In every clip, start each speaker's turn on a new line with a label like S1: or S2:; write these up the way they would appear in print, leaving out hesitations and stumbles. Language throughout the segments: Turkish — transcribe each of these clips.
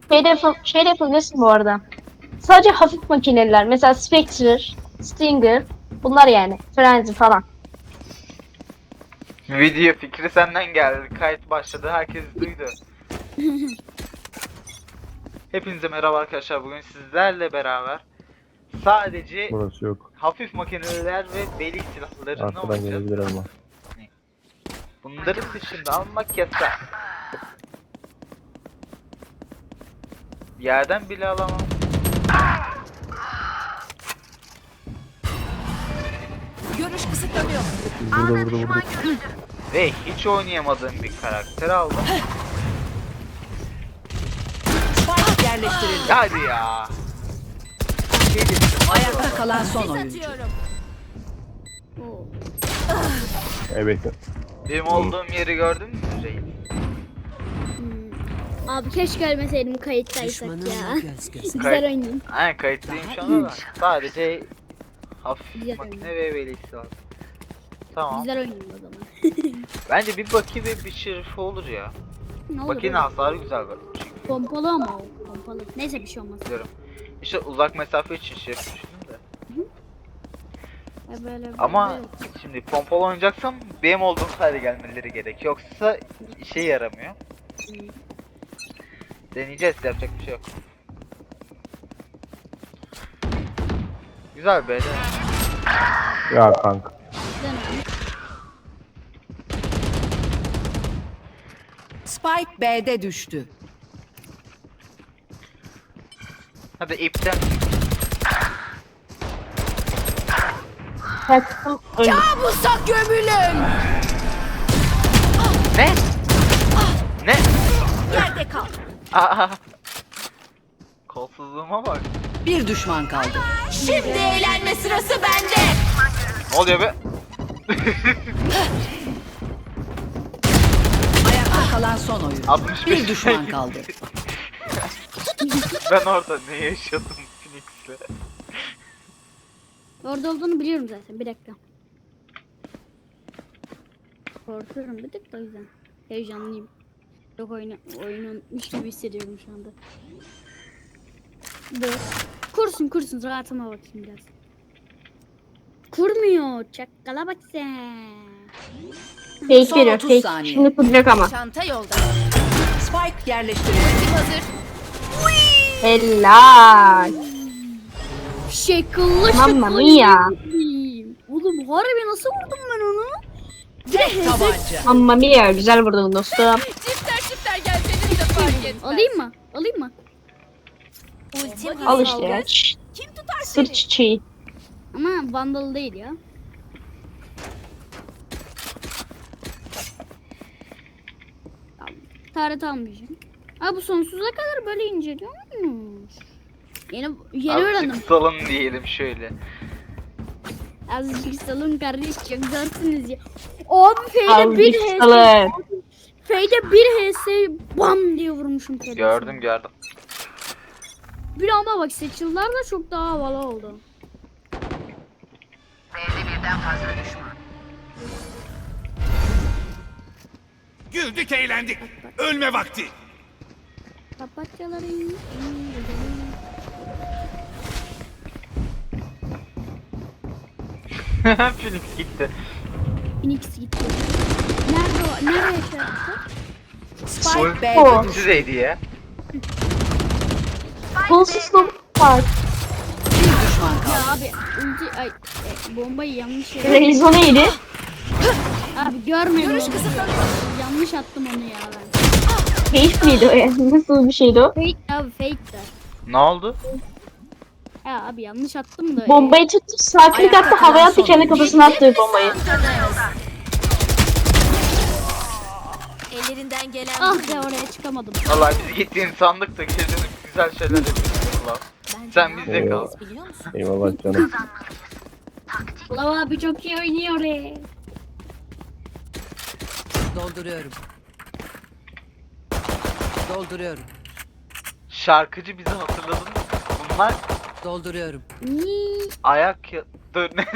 S1: Şey de yapabilirsin bu arada. Sadece hafif makineler. Mesela Spectre, Stinger. Bunlar yani. Frenzy falan.
S2: Video fikri senden geldi. Kayıt başladı. Herkes duydu. Hepinize merhaba arkadaşlar. Bugün sizlerle beraber sadece
S3: Burası yok.
S2: hafif makineler ve belik silahlarını
S3: Arkadan
S2: oynayacağız.
S3: gelebilir ama.
S2: Bunların dışında almak yasak. Yerden bile alamam.
S4: Görüş kısıtlanıyor.
S3: Burada.
S2: Ve hiç oynayamadığım bir karakter aldım.
S4: Spike yerleştirildi.
S2: Hadi ya.
S4: Ayakta kalan son oyuncu.
S3: Evet.
S2: Benim olduğum yeri gördün mü Reis?
S5: Abi keşke ölmeseydim kayıttaysak ya.
S4: göz göz.
S5: Güzel oynayayım.
S2: Aynen kayıtlıyım şu anda da. Sadece hafif
S5: Güzel
S2: makine ve belik silahı. Tamam.
S5: Güzel oynayayım o zaman.
S2: Bence bir Baki ve bir Şerife olur ya.
S5: Ne olur
S2: Baki'nin
S5: oğlum?
S2: hasarı güzel bak. Çünkü
S5: Pompalı ama o. Pompalı. Neyse bir şey olmaz.
S2: biliyorum. İşte uzak mesafe için Şerif düşündüm de.
S5: Böyle
S2: Ama
S5: böyle.
S2: şimdi pompalı oynayacaksam benim olduğum hale gelmeleri gerek. Yoksa işe yaramıyor. Deneyeceğiz, yapacak bir şey yok. Güzel be.
S3: Ya kanka.
S5: Dönem.
S4: Spike B'de düştü.
S2: Hadi ipten.
S1: Kaçtım öldüm.
S4: Kabusa gömülün.
S2: Ne? Ne?
S4: Yerde kal.
S2: Aa. Kolsuzluğuma bak.
S4: Bir düşman kaldı. Şimdi eğlenme sırası bende.
S2: Ne oluyor be?
S4: Ayakta kalan son oyuncu.
S2: 65
S4: Bir düşman kaldı.
S2: Ben orada ne yaşadım Phoenix'le?
S5: Orada olduğunu biliyorum zaten. Bir dakika. Korkuyorum bir tık da o yüzden. Heyecanlıyım. Çok oyunu unutmuş gibi hissediyorum şu anda. Dur. Kursun rahatıma bakayım biraz. Kurmuyor. Çakala bak sen.
S1: Fake
S4: Son
S1: veriyor.
S4: 30
S1: Fake.
S4: saniye.
S1: Şimdi kuracak ama.
S4: Çanta yolda. Spike yerleştirildi. Hazır.
S1: Helal.
S5: Şekilli
S1: Mamma
S5: şekilli.
S1: mia.
S5: Oğlum harbi nasıl vurdum ben onu?
S4: Tek tabanca.
S1: Mamma mia. Güzel vurdun dostum.
S4: Çifter gelseniz de fark etmez.
S5: Alayım mı? Alayım mı?
S1: Al işte ya.
S4: Kim tutar
S1: Sır çiçeği.
S5: Ama vandal değil ya. Taret almayacağım. Ha bu sonsuza kadar böyle inceliyormuş. Yeni öğrendim.
S2: Azıcık salın diyelim şöyle.
S5: Azıcık salın kardeş çok zorsınuz ya. Abi F'de bir
S1: Azıcık
S5: HS.
S1: salın.
S5: F'de bir HS bam diye vurmuşum kendisine.
S2: Gördüm.
S5: Bir ama bak seçildiler de çok daha havalı oldu.
S6: Güldük eğlendik. Ölme vakti.
S5: Papatyaların
S2: Phoenix gitti.
S5: Phoenix gitti. Nerede o? Nereye şey yaptı?
S4: Spike B'de
S1: O.
S4: düştü.
S2: Düzeydi ya.
S1: Kolsuzluğum var.
S4: Bir düşman kaldı.
S5: Ya abi ulti bombayı yanlış yere.
S1: Reizo neydi?
S5: Abi görmedim onu. Yanlış attım onu ya ben.
S1: Fake miydi o yani? Nasıl bir şeydi o?
S5: Fake abi fake de.
S2: Ne oldu?
S5: Ya abi yanlış attım da.
S1: Bombayı tuttu. Sağ klik attı. Havaya attı. Kendi kafasına attı bombayı.
S4: Ellerinden gelen
S5: Ah ya oraya çıkamadım.
S2: Vallahi biz gittiğin sandık da gezinin güzel şeyler yapıyoruz ulan. Sen bizde kal.
S4: biliyor musun?
S3: Eyvallah canım.
S5: Lav abi çok iyi oynuyor.
S4: Dolduruyorum. Dolduruyorum.
S2: Şarkıcı bizi hatırladın mı? Bunlar
S4: Dolduruyorum.
S5: Niii.
S2: ayak ya... Dur ne?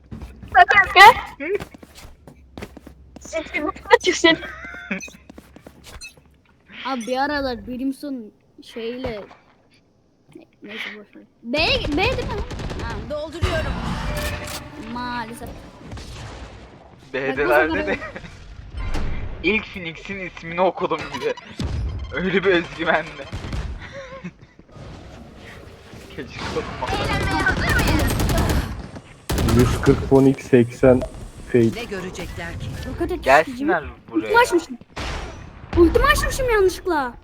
S1: Kanka. Sesini açık sen.
S5: Abi bir aralar Brimstone şeyle neyse boşver. B değil mi? Ha,
S4: Dolduruyorum.
S5: maalesef.
S2: B'delerde de ilk Phoenix'in ismini okudum bir de. Öyle bir özgüvenle. Keşke okuma.
S3: 140 Phoenix 80 Fate.
S4: Ne görecekler ki?
S5: Roket ateşi
S2: Gelsinler
S5: gibi.
S2: buraya.
S5: Ultimi açmışım. Ultimi açmışım yanlışlıkla.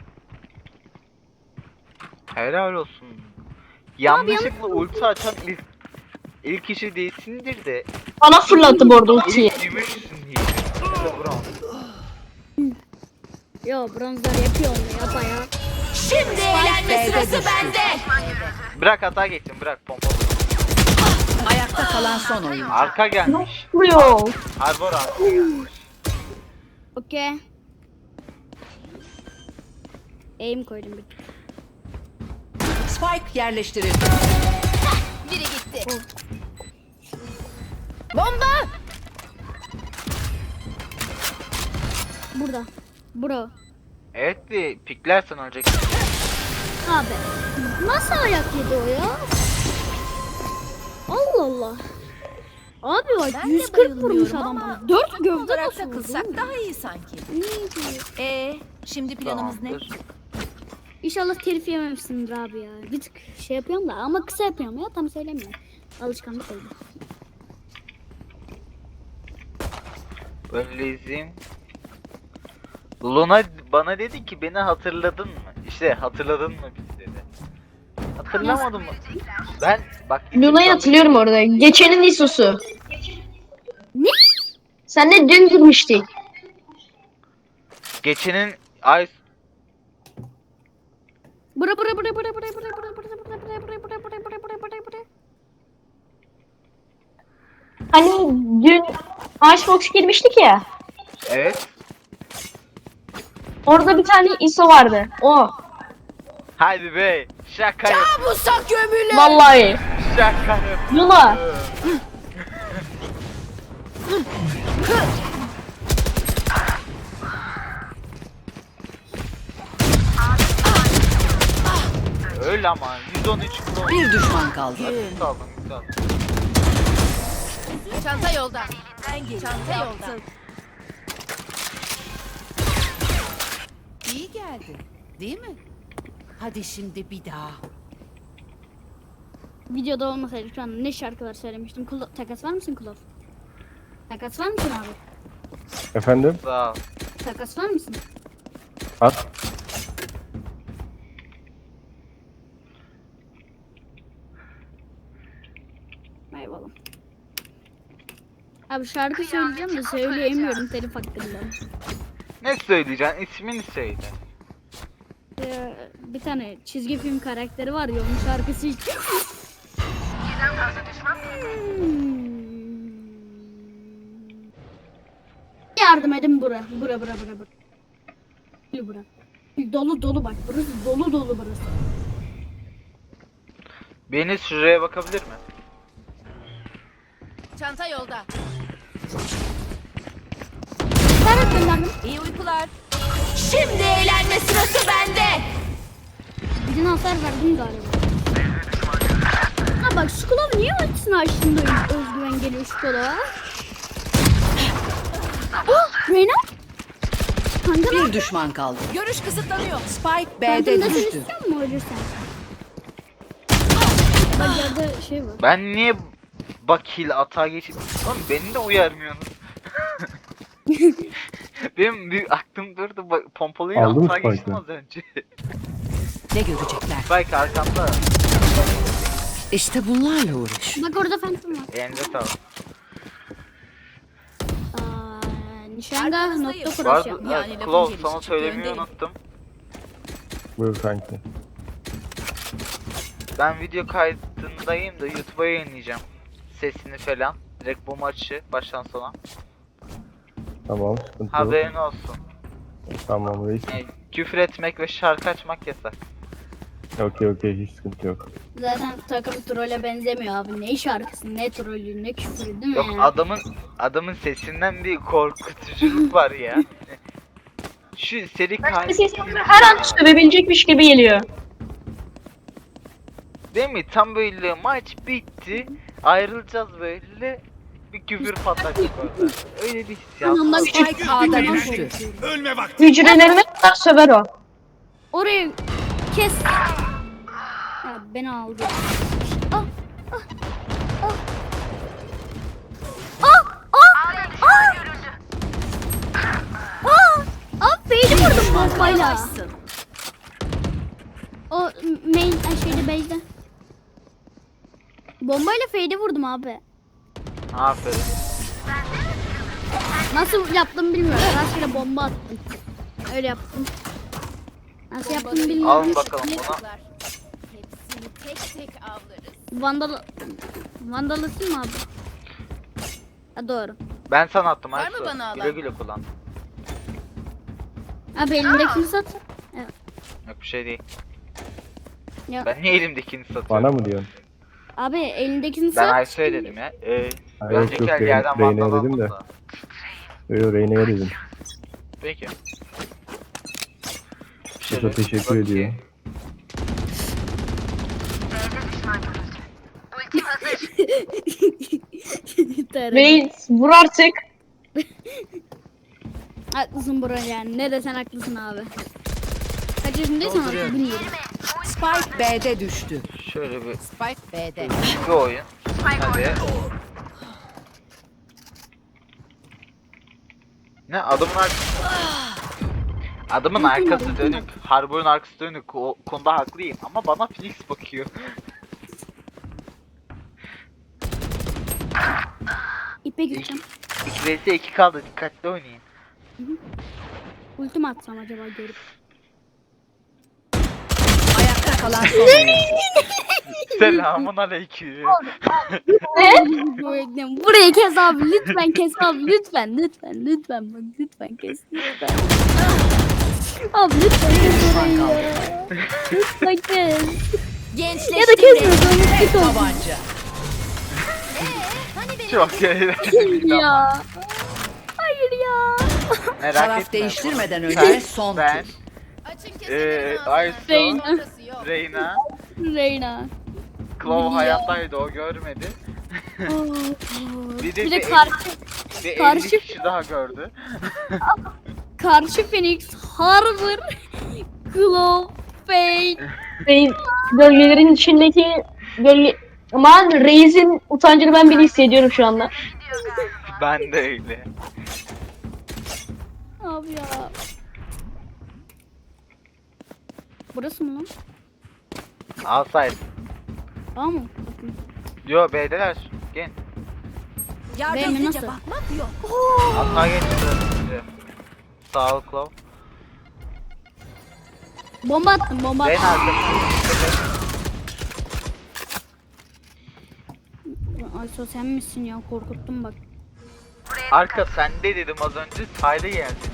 S2: Helal olsun. Yanlışlıkla ulti açan ilk kişi değilsindir de
S1: Bana fırlattı bu arada ultiyi.
S2: ilk gümüşsün diye. Bronz.
S5: Yo bronzlar yapıyor onu yapa ya.
S4: Şimdi eğlenme sırası bende.
S2: Bırak hata geçsin, bırak pompa.
S4: Ayakta kalan son oyun.
S2: Arka gelmiş.
S1: Vuruyor.
S2: Harbor arka gelmiş.
S5: Okey. Aim koydum bir.
S4: Spike yerleştirildi. Biri gitti. Bomba!
S5: Burada. Bro.
S2: Evet de piklersen ölecek.
S5: Abi. Nasıl ayak yedi o ya? Allah Allah. Abi bak
S4: Ben de
S5: 140 vurmuş
S4: bayılıyorum
S5: adam
S4: ama
S5: bana. 4 gövde
S4: olarak
S5: nasıl
S4: takılsak
S5: vurdu?
S4: daha iyi sanki.
S5: Neydi?
S4: Şimdi planımız ne?
S2: Tamamdır.
S5: İnşallah telif yememişsindir abi ya. Bir tık şey yapıyorum da ama kısa yapıyorum ya tam söylemiyorum. Alışkanlık oldu.
S2: Böyle izleyeyim. Luna bana dedi ki beni hatırladın mı? İşte hatırladın mı biz dedi. Hatırlamadım mı? Ben bak
S1: Luna'yı hatırlıyorum orada. Geçenin ISO'su.
S5: Ne?
S1: Sen de dün girmiştik.
S2: geçenin ay
S5: Bura bura bura bura bura bura bura bura bura bura bura bura bura bura bura bura.
S1: Hani dün Icebox girmiştik ya.
S2: evet.
S1: Orada bir tane ISO vardı. O.
S2: Hadi be. Şaka yap.
S4: Kabusa gömülü.
S1: Vallahi.
S2: Şaka yap.
S1: Luna.
S2: Öyle ama 113 pro.
S4: Bir düşman kaldı.
S2: Asist aldım, güzel.
S4: Çanta yolda. Çanta yolda. İyi geldi. Değil mi? Hadi şimdi bir daha.
S5: Videoda olmasaydı şu an ne şarkılar söylemiştim. Takas var mısın Kulaf? Takas var mısın abi?
S3: Efendim?
S2: Sağ ol.
S5: Takas var mısın?
S3: At.
S5: Eyvallah. Abi şarkı söyleyeceğim de söyleyemiyorum telif hakkında.
S2: Ne söyleyeceksin? İsmini söyle.
S5: Bir tane çizgi film karakteri var ya onun şarkısı hiç... Yardım edin bura. Bura. Bura. Dolu dolu bak burası dolu dolu burası.
S2: Beni şuraya bakabilir mi?
S4: Çanta yolda.
S5: Serhat gönderdim.
S4: İyi uykular. Şimdi eğlenme sırası bende.
S5: Birine hasar verdim galiba. Ha bak şu kulağı niye ultisini açtığında özgüven geliyor şu kulağa? Oh Reyna? Kanka
S4: Bir düşman kaldı. Görüş kısıtlanıyor. Spike
S5: ben
S4: B'de
S5: de seni
S4: düştü.
S5: istiyor mu ölürsen? Bak yerde şey var.
S2: Ben niye bakil atağa geçip... Oğlum beni de uyarmıyorsunuz. Benim bir aklım durdu. Pompalıyla
S3: Aldın mı
S2: atağa geçtim
S3: Spike'ı?
S2: az önce.
S4: Ne görecekler?
S2: Spike arkamda.
S4: İşte bunlarla uğraş.
S5: Bak orada Phantom var.
S2: Elinde sağlık.
S5: Nişanga nokta
S2: Bu
S5: cross
S2: arada
S5: yapma.
S4: Yani lafın
S2: Claw
S4: gelişi
S2: sana
S4: çıktı,
S2: söylemeyi
S4: öndeyim.
S2: unuttum.
S3: Buyur kanki.
S2: Ben video kaydındayım da YouTube'a yayınlayacağım. Sesini falan. Direkt bu maçı baştan sona.
S3: Tamam, sıkıntı yok.
S2: Haberin olsun.
S3: Tamam reis.
S2: Yani küfür etmek ve şarkı açmak yasak.
S3: Okey, hiç sıkıntı yok.
S5: Zaten takım trole benzemiyor abi. Ne şarkısı, ne trolü, ne küfürü değil mi?
S2: Yok
S5: yani?
S2: adamın sesinden bir korkutuculuk var ya. Şu seri katil
S1: Sesi her an sövebilecekmiş gibi geliyor.
S2: değil mi? Tam böyle maç bitti. Ayrılacağız böyle. Bir küfür patlatacak orada. Öyle bir hissiyat.
S5: Ondan
S2: var.
S5: küçük
S4: Spike A'da düştü.
S6: Ölme vakti.
S1: Hücrelerine kadar söver o.
S5: orayı kes. Ya beni aldı. Ah, ah, ah. Ah, ah, ah. Ah, fade'i vurdum bombayla. O main şeyde base'de. Bombayla fade'i vurdum abi.
S2: Aferin.
S5: Nasıl yaptım bilmiyorum. Rastgele bomba attım. Öyle yaptım. Nasıl yaptım bilmiyorum.
S2: Alın bakalım bunu.
S4: Hepsini tek tek avlarız.
S5: Vandalısın mı abi? Ha, doğru.
S2: Ben sana attım
S4: Var mı
S2: Aysu.
S4: bana alan?
S2: Güle güle kullan.
S5: Abi elindekini sat.
S2: Yok bir şey değil.
S5: Ya,
S2: Ben niye elimdekini satıyorum?
S3: Bana mı diyorsun?
S5: abi elindekini
S2: Ben
S5: sat.
S2: Aysu'ya dedim ya.
S3: Ha, yok,
S2: Önceki
S3: yok,
S2: el yerden
S3: Reyna'ya
S2: vandal
S3: dedim
S2: aldım
S3: de.
S2: da.
S3: Yo Reyna'ya dedim.
S2: Peki.
S3: Bu da teşekkür ediyor.
S1: Reis vur artık.
S5: Haklısın bro yani. Ne desen haklısın abi. Kaç yaşındaysan artık bilmiyorum.
S4: Spike B'de düştü.
S2: Şöyle bir
S4: Spike B'de.
S2: bir oyun. Hadi. Ne adamın arkası dönük. Harbor'un arkası dönük. O konuda haklıyım ama bana Phoenix bakıyor.
S5: İpe gideceğim.
S2: 2 vs 2 kaldı. Dikkatli oynayın.
S5: Ultim atsam acaba görüp.
S4: Ayakta kalan son oyuncu.
S2: Selamun aleyküm.
S5: Burayı kes abi lütfen kes abi lütfen bak lütfen kes lütfen. Abi lütfen kes burayı ya. Lütfen kes.
S4: Gençleştim.
S5: Ya da kesmiyorsan git olsun.
S4: Tabanca.
S2: Çok eğlenceli.
S5: Ya. Hayır ya.
S2: Merak
S4: Taraf
S2: etme.
S4: değiştirmeden önce
S2: Ben-
S4: son
S2: ben,
S4: tur.
S7: Açın keselim
S2: Aysu,
S5: Reyna.
S2: Reyna,
S5: Reyna.
S2: Claw
S5: Ya.
S2: hayattaydı o görmedi.
S5: Bir de karşı
S2: Ve 50
S5: karşı-
S2: kişi daha gördü.
S5: Phoenix Harbor Claw Fade.
S1: Reis gölgelerin içindeki gölge... Aman Reis'in utancını ben bile hissediyorum şu anda.
S2: Ben de öyle.
S5: Abi ya. Burası mı lan?
S2: Alsaydı.
S5: Tamam mı? Bakın.
S2: Yo B'deler. Gel.
S5: Benim
S4: Yardımcıca
S5: nasıl?
S4: bakmak yok.
S2: Atma geçti. Sağ ol Claw.
S5: Bomba attım bomba
S2: Reyna
S5: attım.
S2: arkası.
S5: Ayso sen misin ya korkuttun bak.
S2: Arka sende dedim az önce. Sayda geldi.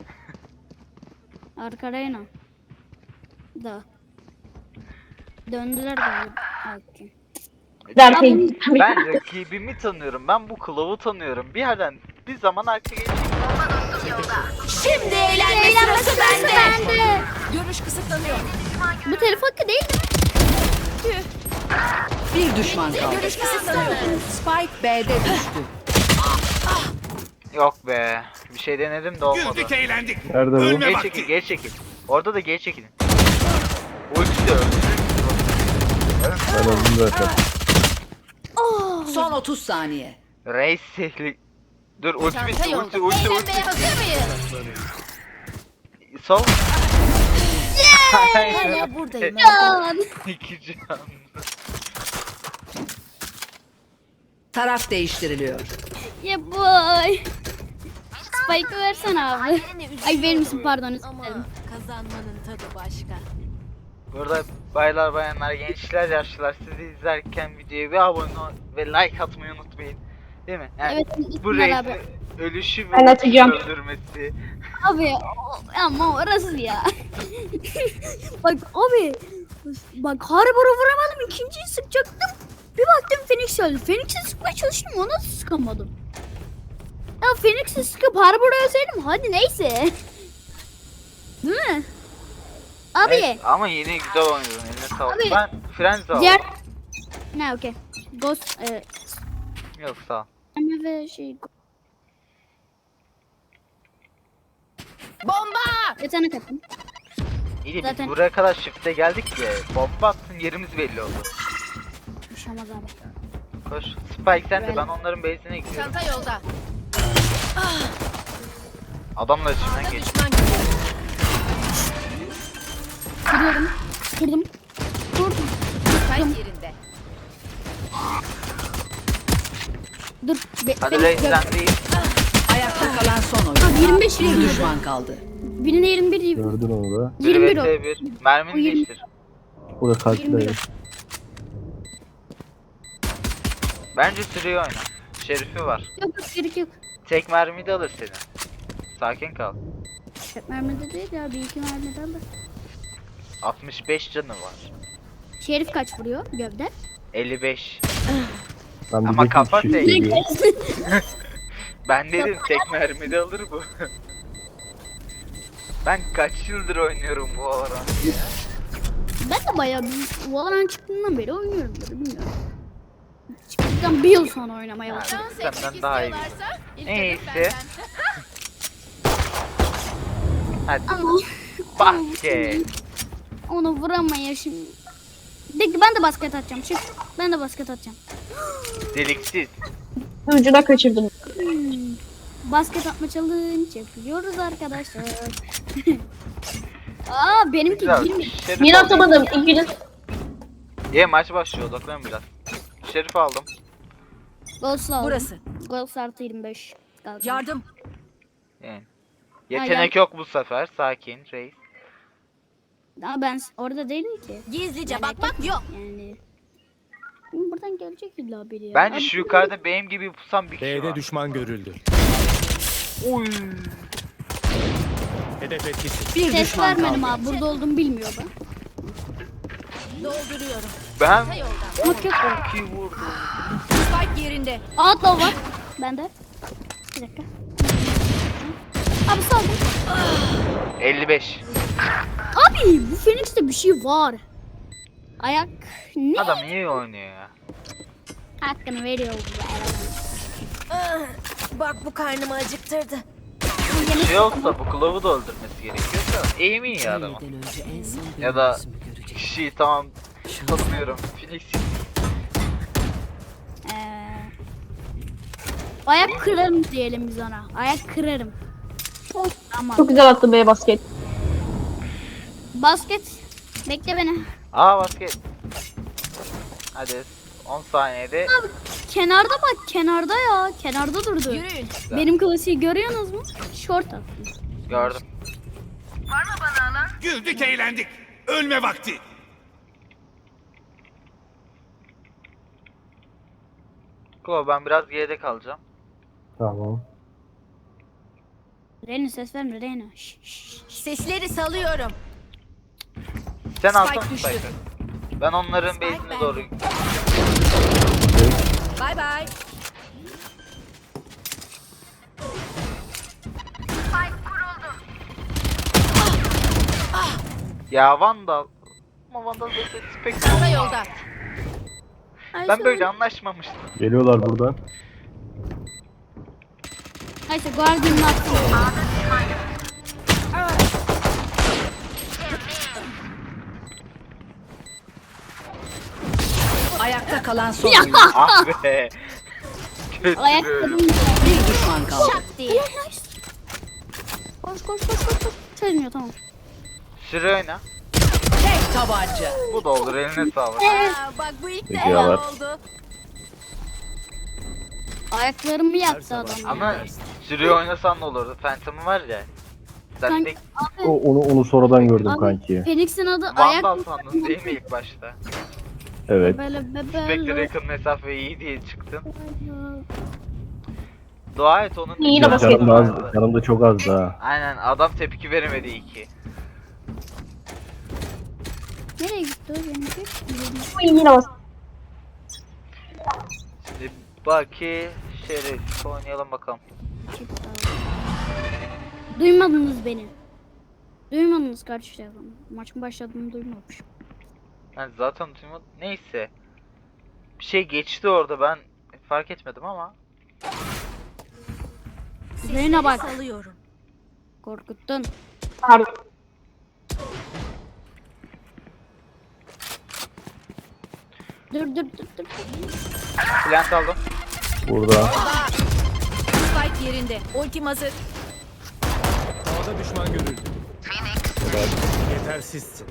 S5: Arka Reyna. Da. Döndüler galiba. Okey.
S1: Derken
S2: Ben rakibimi tanıyorum. Ben bu Claw'u tanıyorum. Bir yerden bir zaman arka geçecek.
S4: Şimdi eğlenme sırası bende. Görüş kısıtlanıyor.
S5: Bu telef hakkı değil mi?
S4: Bir düşman kaldı. Görüş kısıtlanıyor. Spike B'de düştü.
S2: Yok be. Bir şey denedim de olmadı.
S6: Güldük eğlendik.
S3: Nerede bu?
S6: Ölme
S2: Geri
S6: vakti.
S2: çekil, geri çekil. Orada da geri çekilin. Ulti de öldü.
S3: Ben öldüm zaten.
S4: Son 30 saniye.
S2: Reis sehli. Dur ulti
S7: Çanta
S2: bitti,
S7: yolda.
S2: ulti.
S7: Eğlenmeye hazır mıyız?
S2: Sol.
S7: Hala buradayım.
S5: Lan.
S2: İki can.
S4: Taraf değiştiriliyor.
S5: Yeah boy. Spike'ı versene abi. Ay verir misin pardon özür
S7: Ama
S5: dilerim.
S7: kazanmanın tadı başka.
S2: Burada baylar bayanlar gençler yaşlılar sizi izlerken videoya bir abone ol ve like atmayı unutmayın. Değil mi? Yani
S5: Evet
S2: bu
S5: İsmail abi.
S2: reisin ölüşü ve
S1: Ben atacağım.
S2: öldürmesi.
S5: Abi ama orası ya. Bak abi. Bak Harbor'a vuramadım ikinciyi sıkacaktım. Bir baktım Phoenix öldü. Phoenix'i sıkmaya çalıştım ona sıkamadım. Ya Phoenix'i sıkıp Harbor'a ölseydim hadi neyse. Abi.
S2: Evet, ama yine güzel oynadın. Eline sağlık.
S5: Abi.
S2: Ben Frenzy aldım.
S5: Diğer... Ne okey. Ghost...
S2: Yok sağ ol.
S5: ve şey...
S7: Bomba!
S5: Yetenek attım.
S2: İyi de biz
S5: Zaten-
S2: buraya kadar shift'e geldik ya. Bomba attın yerimiz belli oldu.
S5: Düşemez abi.
S2: Koş. Spike sen de
S5: Böyle.
S2: ben onların base'ine gidiyorum.
S7: Çanta yolda.
S2: Adamlar içinden geç.
S7: Düşman görüldü.
S5: Kırıyorum. Kırdım. Kırdım.
S7: Spike yerinde.
S5: Dur.
S2: Hadi Reis sen değil.
S4: Ayakta kalan son
S5: Abi
S4: oyuncu.
S5: 25
S4: Bir
S5: yirmi.
S4: düşman kaldı.
S5: Birine 21 yirmi.
S3: Gördün onu da.
S5: 21 o.
S2: 1
S5: O
S2: Mermini
S5: 20.
S2: değiştir.
S3: O da kalpli
S5: 21 o.
S3: dayı.
S2: Bence sürüyor oyna. Şerifi var.
S5: Yok yok gerek yok.
S2: Tek mermi de alır seni. Sakin kal.
S5: Tek mermide değil ya. Bir iki mermiden de.
S2: 65 canı var.
S5: Şerif kaç vuruyor gövde?
S2: 55.
S3: Ben
S2: Ama
S3: diyecektim
S2: kafa
S3: shift'e
S2: tek.
S3: geliyor.
S2: Ben dedim tek mermi de alır bu. Ben kaç yıldır oynuyorum bu Valorant ya.
S5: Ben de bayağı bir Valorant çıktığından beri oynuyorum böyle bilmiyorum. Çıktıktan bir yıl sonra oynamaya başladım.
S7: Dans etmek
S2: Senden daha iyi.
S7: istiyorlarsa ilk
S2: Neyse.
S7: hedef benden.
S2: Hadi
S5: Ama
S2: basket.
S5: onu vuramaya şimdi. De ki ben de basket atacağım. Çık. Ben de basket atacağım.
S2: Deliksiz.
S1: Ucuna kaçırdım.
S5: Basket atma challenge yapıyoruz arkadaşlar. Aa benimki
S2: Güzel.
S5: 20.
S2: Şerif
S1: Yine
S2: aldım.
S1: atamadım. İngiliz.
S2: Maç başlıyor odaklan biraz. Şerif aldım.
S5: Goals aldım.
S4: Burası.
S5: Goals artı 25. Kaldı.
S4: Yardım.
S2: Yani. Yetenek yok bu sefer. Sakin reis.
S5: Ama ben orada değilim ki.
S7: Gizlice bakmak yok.
S5: Yani. Buradan gelecek illa biri ya.
S2: Bence
S5: Abi,
S2: şu yukarıda benim gibi pusan bir kişi
S6: B'de
S2: var.
S6: düşman görüldü.
S2: Oy.
S6: Hedef etkisi.
S4: Bir
S5: ses
S4: düşman
S5: vermedim
S4: kaldı.
S5: abi. Burada olduğumu bilmiyor ben.
S7: Dolduruyorum.
S2: Ben
S7: Çanta yolda.
S5: Yok yok.
S2: çok iyi vurdum.
S4: Spike yerinde.
S5: Outlaw var. Bende. Bir dakika. Abi sağ ol.
S2: 55.
S5: Abi bu Phoenix'te bir şey var. Ayak ne?
S2: Adam iyi oynuyor ya.
S5: Hakkını veriyor bu arada.
S7: Bak bu karnımı acıktırdı.
S2: Bir şey olsa bu kılavu da öldürmesi gerekiyor da aim iyi ya adamın. Ya da kişiyi tamam tanımıyorum. Phoenix
S5: Ayak kırarım diyelim biz ona. Ayak kırarım. Tamam.
S1: Çok güzel attı B basket.
S5: Basket. Bekle beni.
S2: basket. Hadi 10 saniyede.
S5: Kenarda bak kenarda ya. Kenarda durdu.
S7: Yürüyün.
S5: Benim klasiği görüyorsunuz mu? Short attım.
S2: Gördüm.
S6: Güldük eğlendik. Ölme vakti.
S2: Klo ben biraz geride kalacağım.
S3: Tamam.
S5: Reyna ses verme Reyna. Şş, şş.
S7: Sesleri salıyorum.
S2: Sen
S7: Spike
S2: alsana
S7: düştü.
S2: Spike'ı. Ben onların
S7: Spike
S2: base'ine
S7: bende.
S2: doğru.
S7: Bay bay.
S2: Ya Vandal. Ama Vandal da Spectre.
S7: Çanta yolda.
S5: Ay,
S2: Ben
S5: sonra-
S2: böyle anlaşmamıştım.
S3: Geliyorlar buradan.
S5: Neyse Guardian'ı attım.
S4: Ayakta kalan son oyuncu.
S2: Ah be. Kötü.
S5: Ayak kırdım.
S4: Bir düşman kaldı.
S7: Şak diye.
S5: Koş koş koş koş koş. Çözmüyor tamam.
S2: Süre oyna.
S4: Tek tabanca.
S2: Bu da olur eline sağlık.
S7: Aa, bak bu ilk
S3: Peki,
S7: defa
S3: yalan.
S7: oldu.
S5: Ayaklarımı yaktı adam. ya.
S2: Ama süre oynasan ne olurdu? Phantom var ya. Sen
S5: Kanka,
S2: de
S3: Onu sonradan gördüm
S5: Abi,
S3: kanki.
S5: Phoenix'in adı ayak.
S2: Vandal sandın değil mi ilk başta?
S3: Evet.
S5: Böyle
S2: Spectre
S5: bebe.
S2: yakın mesafe iyi diye çıktın. Dua et onun
S1: Yine
S2: canı
S1: basket.
S3: Canım da
S2: vardı.
S3: az, canım da çok azdı ha.
S2: Aynen adam tepki veremedi iyi ki.
S5: Nereye gitti o benimki?
S1: Yine bas.
S2: Şimdi Baki Şerif oynayalım bakalım.
S5: Duymadınız beni. Duymadınız kardeşler. Maçın başladığını duymamış.
S2: Yani zaten duymadım. Neyse. Bir şey geçti orada, ben fark etmedim ama.
S5: Zeyne bak.
S7: Salıyorum.
S5: Korkuttun.
S1: Pardon.
S5: Dur.
S2: Plant aldım.
S3: Burada.
S7: Spike yerinde. Ultim hazır.
S6: Ağda düşman görüldü. Yetersizsin.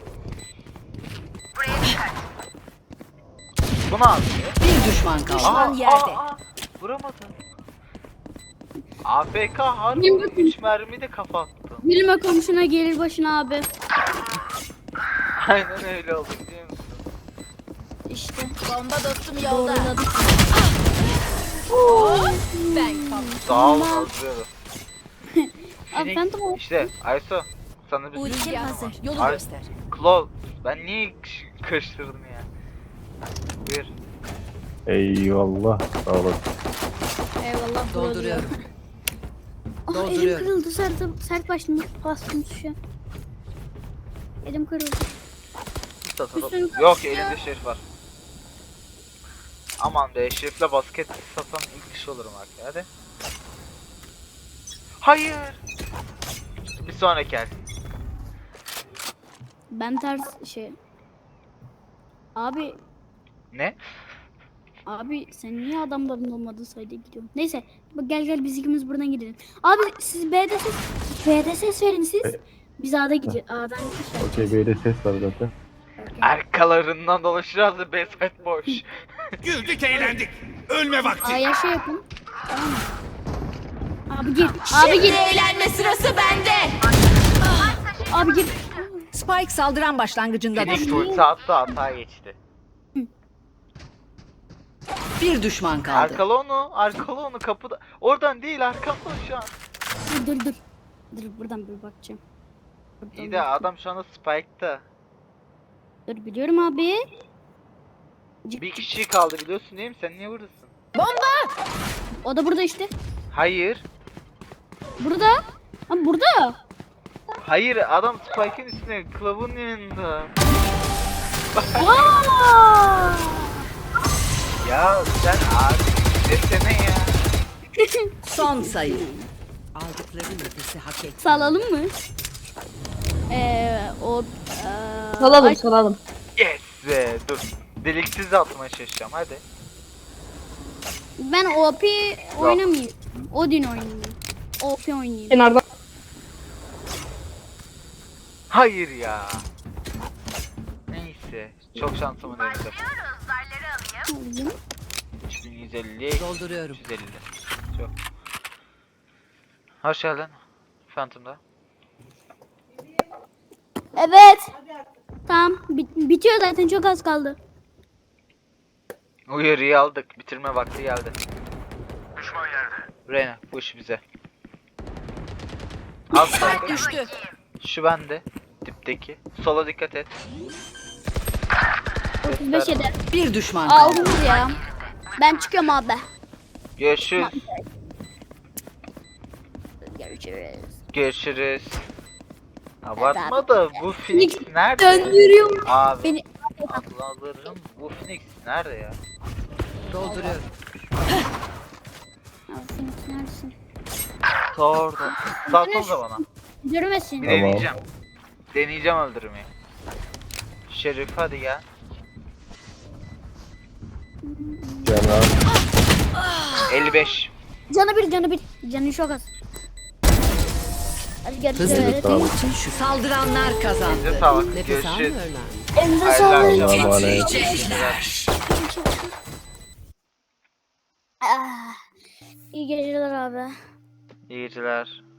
S2: Bu ne yapıyor?
S4: Bir düşman kaldı.
S7: Düşman yerde.
S2: Vuramadım. AFK harbi
S5: Bilmiyorum.
S2: 3 mermi de kafa attım.
S5: Bilme komşuna gelir başına abi.
S2: Aynen öyle oldu, biliyor musun?
S5: İşte.
S7: Bomba dostum yolda.
S5: Doğruladık.
S7: Ben kaldım.
S2: Sağ olun, hazırlıyorum.
S5: Abi Phantom o.
S2: İşte Ayso, sana bir
S7: Ultim hazır. Yolu
S2: Ay-
S7: göster.
S2: Claw, ben niye karıştırdım ya? Buyur.
S3: Eyvallah. Sağ olasın.
S5: Eyvallah.
S4: Dolduruyorum.
S5: Ah elim
S4: Dolduruyorum.
S5: kırıldı sert başladım. Bastım tuşa. Elim kırıldı. Üstünü
S2: Yok, elinde şerif var. Aman be, şerifle basket satan ilk kişi olurum artık, hadi. Hayır. Bir sonraki el.
S5: Ben ters şey. Abi
S2: Ne?
S5: sen niye adamların olmadığı sayıda gidiyorsun? Neyse bak gel biz ikimiz buradan gidelim. Abi siz B'de ses verin siz. Biz A'da gidiyoruz. A'dan gideceğiz.
S3: Okey, böyle ses var zaten.
S2: Arkalarından dolaşacağız da B-side boş.
S6: Güldük eğlendik. Ölme vakti.
S5: A'ya şey yapın. Tamam mı? Abi gir. Abi gir.
S7: Eğlenme sırası bende.
S5: Abi gir.
S4: Spike saldıran başlangıcında
S2: Phoenix
S4: düştü.
S2: ulti attı, hata geçti.
S4: Bir düşman kaldı.
S2: Arkalı onu kapıda. Oradan değil, arkamda şu an.
S5: Dur. Dur buradan bir bakacağım. Buradan
S2: İyi de adam şu anda Spike'ta.
S5: Dur biliyorum abi. Cık,
S2: Bir kişi kaldı, biliyorsun değil mi? Sen niye buradasın?
S5: o da burada işte.
S2: Hayır.
S5: Burada. Ha burada.
S2: Hayır, adam Spike'ın üstüne, Clove'un yanında.
S5: Aa!
S2: Ya sen abi desene ya.
S4: Son sayı. Aldıkları nefesi hak etti.
S5: Salalım mı? O
S1: Salalım salalım.
S2: Yes be, dur. Deliksiz atmaya çalışacağım, hadi.
S5: ben OP oynamayayım. Odin oynayayım. OP oynayayım.
S1: Kenardan.
S2: Hayır ya. Neyse, çok şansımı denedim. 3150,
S4: Dolduruyorum.
S2: 350. Çok. Hoş geldin. Phantom'da.
S5: Evet. Tamam. Bitiyor zaten çok az kaldı.
S2: Uyarıyı aldık. Bitirme vakti geldi. Düşman yerde. Reyna, bu iş bize. Az kaldı.
S7: Düştü.
S2: Şu bende. Dipteki. Sola dikkat et.
S5: 35 eder.
S4: Bir düşman kaldı.
S5: Aldınız ya. Ben çıkıyorum abi.
S2: Görüşürüz.
S5: Görüşürüz.
S2: Görüşürüz. Abartma da bu Phoenix nerede?
S5: Döndürüyorum.
S2: Abi.
S5: Beni-
S2: Allah'ım, bu Phoenix nerede ya?
S4: Dolduruyorum.
S5: Abi Phoenix neredesin?
S2: Ta orada. Salsanıza bana.
S5: Görmesin.
S2: Bir
S3: Tamam.
S2: deneyeceğim. Deneyeceğim öldürmeyi. Şerif hadi gel.
S3: Canan.
S2: 55.
S5: Canı bir. Canı çok az. Hadi
S4: Hızlı
S5: görüşürüz.
S3: Tamam.
S4: için şu saldıranlar kazandı.
S2: Elinize sağlık.
S4: Nefes
S2: Görüşürüz.
S4: almıyorlar.
S5: Elinize
S2: Hayırlı
S5: sağlık.
S2: akşamlar.
S3: Emanet.
S5: Ah, İyi geceler abi.
S2: İyi geceler.